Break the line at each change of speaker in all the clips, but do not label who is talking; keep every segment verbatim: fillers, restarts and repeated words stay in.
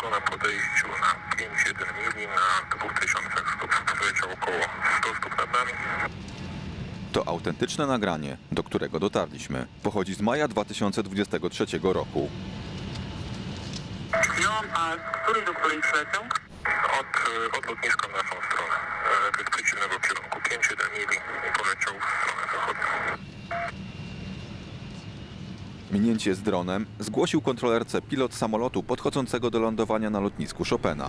lotnisko na podejściu na pięć jeden mili na dwóch tysiącach stóp poleciał około sto stóp nad nami.
To autentyczne nagranie, do którego dotarliśmy. Pochodzi z maja dwa tysiące dwudziestego trzeciego roku.
Przyjąłem, a z której do której przylecą? Od, od lotniska w naszą stronę, e, z przeciwnego kierunku, pięć jeden mili i poleciał w stronę zachodnią.
Minięcie z dronem zgłosił kontrolerce pilot samolotu podchodzącego do lądowania na lotnisku Chopina.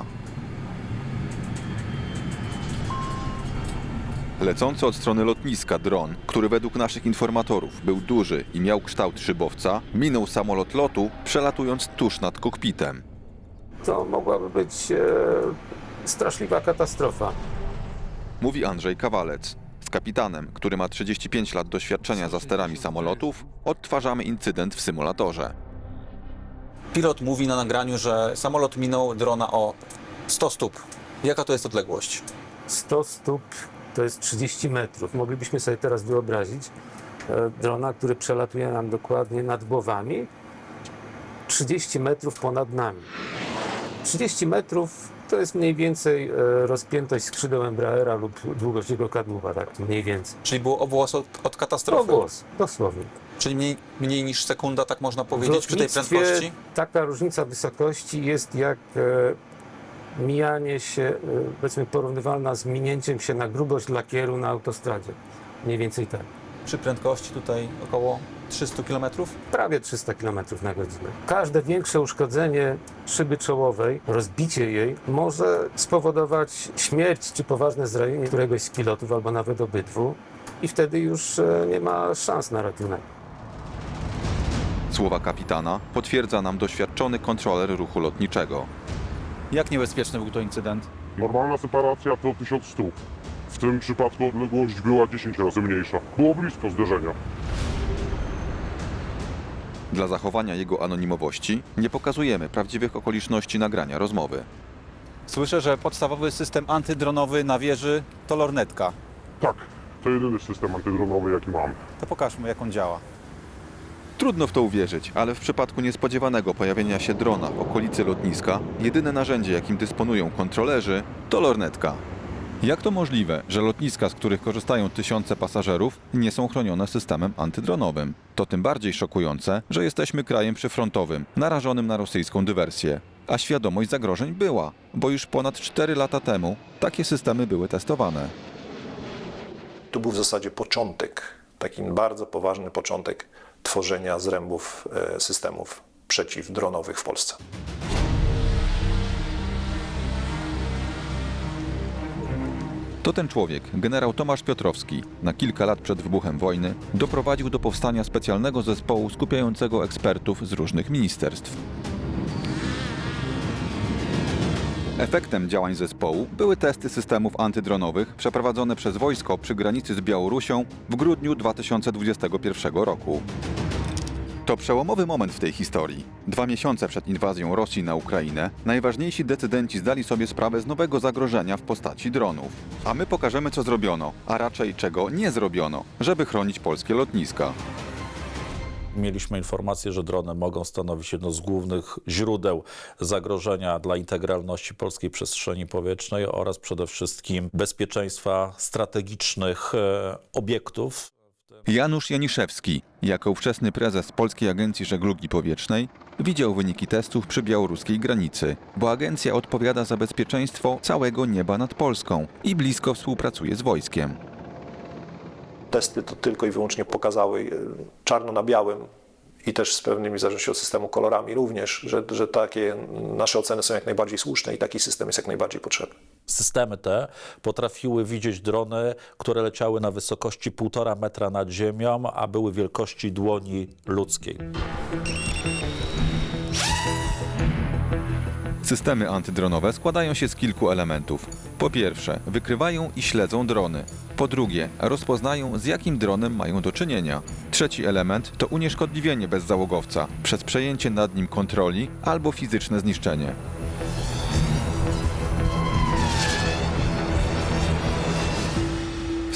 Lecący od strony lotniska dron, który według naszych informatorów był duży i miał kształt szybowca, minął samolot lotu, przelatując tuż nad kokpitem.
To mogłaby być e, straszliwa katastrofa.
Mówi Andrzej Kawalec. Z kapitanem, który ma trzydzieści pięć lat doświadczenia za sterami samolotów, odtwarzamy incydent w symulatorze.
Pilot mówi na nagraniu, że samolot minął drona o sto stóp. Jaka to jest odległość?
sto stóp to jest trzydzieści metrów. Moglibyśmy sobie teraz wyobrazić e, drona, który przelatuje nam dokładnie nad głowami, trzydzieści metrów ponad nami. trzydzieści metrów to jest mniej więcej e, rozpiętość skrzydeł Embraera lub długość jego kadłuba, tak mniej więcej.
Czyli było obłos od, od katastrofy?
Ogłos, dosłownie.
Czyli mniej, mniej niż sekunda, tak można
W
powiedzieć, przy tej
lotnictwie
prędkości?
taka różnica wysokości jest jak e, mijanie się, e, powiedzmy porównywalna z minięciem się na grubość lakieru na autostradzie. Mniej więcej tak.
Przy prędkości tutaj około trzysta kilometrów?
Prawie trzysta kilometrów na godzinę. Każde większe uszkodzenie szyby czołowej, rozbicie jej, może spowodować śmierć czy poważne zranienie któregoś z pilotów albo nawet obydwu i wtedy już e, nie ma szans na ratunek.
Słowa kapitana potwierdza nam doświadczony kontroler ruchu lotniczego.
Jak niebezpieczny był to incydent?
Normalna separacja to tysiąc stóp. W tym przypadku odległość była dziesięć razy mniejsza. Było blisko zderzenia.
Dla zachowania jego anonimowości nie pokazujemy prawdziwych okoliczności nagrania rozmowy.
Słyszę, że podstawowy system antydronowy na wieży to lornetka.
Tak, to jedyny system antydronowy, jaki mam.
To pokażmy, jak on działa.
Trudno w to uwierzyć, ale w przypadku niespodziewanego pojawienia się drona w okolicy lotniska, jedyne narzędzie, jakim dysponują kontrolerzy, to lornetka. Jak to możliwe, że lotniska, z których korzystają tysiące pasażerów, nie są chronione systemem antydronowym? To tym bardziej szokujące, że jesteśmy krajem przyfrontowym, narażonym na rosyjską dywersję. A świadomość zagrożeń była, bo już ponad cztery lata temu takie systemy były testowane.
To był w zasadzie początek, taki bardzo poważny początek tworzenia zrębów e, systemów przeciwdronowych w Polsce.
To ten człowiek, generał Tomasz Piotrowski, na kilka lat przed wybuchem wojny doprowadził do powstania specjalnego zespołu skupiającego ekspertów z różnych ministerstw. Efektem działań zespołu były testy systemów antydronowych przeprowadzone przez wojsko przy granicy z Białorusią w grudniu dwa tysiące dwudziestego pierwszego roku. To przełomowy moment w tej historii. Dwa miesiące przed inwazją Rosji na Ukrainę najważniejsi decydenci zdali sobie sprawę z nowego zagrożenia w postaci dronów. A my pokażemy, co zrobiono, a raczej czego nie zrobiono, żeby chronić polskie lotniska.
Mieliśmy informację, że drony mogą stanowić jedno z głównych źródeł zagrożenia dla integralności polskiej przestrzeni powietrznej oraz przede wszystkim bezpieczeństwa strategicznych e, obiektów.
Janusz Janiszewski, jako ówczesny prezes Polskiej Agencji Żeglugi Powietrznej, widział wyniki testów przy białoruskiej granicy, bo agencja odpowiada za bezpieczeństwo całego nieba nad Polską i blisko współpracuje z wojskiem.
Testy to tylko i wyłącznie pokazały e, czarno na białym i też z pewnymi, w zależności od systemu, kolorami również, że, że takie nasze oceny są jak najbardziej słuszne i taki system jest jak najbardziej potrzebny.
Systemy te potrafiły widzieć drony, które leciały na wysokości półtora metra nad ziemią, a były wielkości dłoni ludzkiej.
Systemy antydronowe składają się z kilku elementów. Po pierwsze, wykrywają i śledzą drony. Po drugie, rozpoznają, z jakim dronem mają do czynienia. Trzeci element to unieszkodliwienie bezzałogowca przez przejęcie nad nim kontroli albo fizyczne zniszczenie.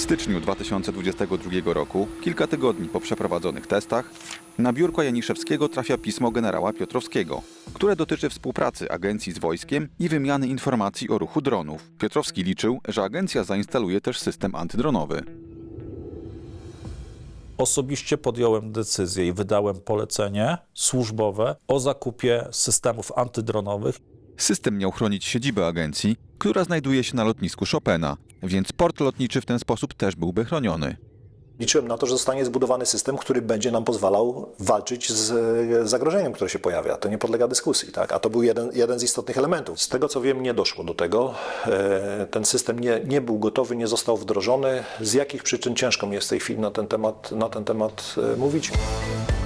styczniu dwa tysiące dwudziestego drugiego roku, kilka tygodni po przeprowadzonych testach, na biurko Janiszewskiego trafia pismo generała Piotrowskiego, które dotyczy współpracy agencji z wojskiem i wymiany informacji o ruchu dronów. Piotrowski liczył, że agencja zainstaluje też system antydronowy.
Osobiście podjąłem decyzję i wydałem polecenie służbowe o zakupie systemów antydronowych.
System miał chronić siedzibę agencji, która znajduje się na lotnisku Chopina, więc port lotniczy w ten sposób też byłby chroniony.
Liczyłem na to, że zostanie zbudowany system, który będzie nam pozwalał walczyć z zagrożeniem, które się pojawia. To nie podlega dyskusji, tak? A to był jeden, jeden z istotnych elementów. Z tego, co wiem, nie doszło do tego. Ten system nie, nie był gotowy, nie został wdrożony. Z jakich przyczyn ciężko mi jest w tej chwili na ten temat, na ten temat mówić.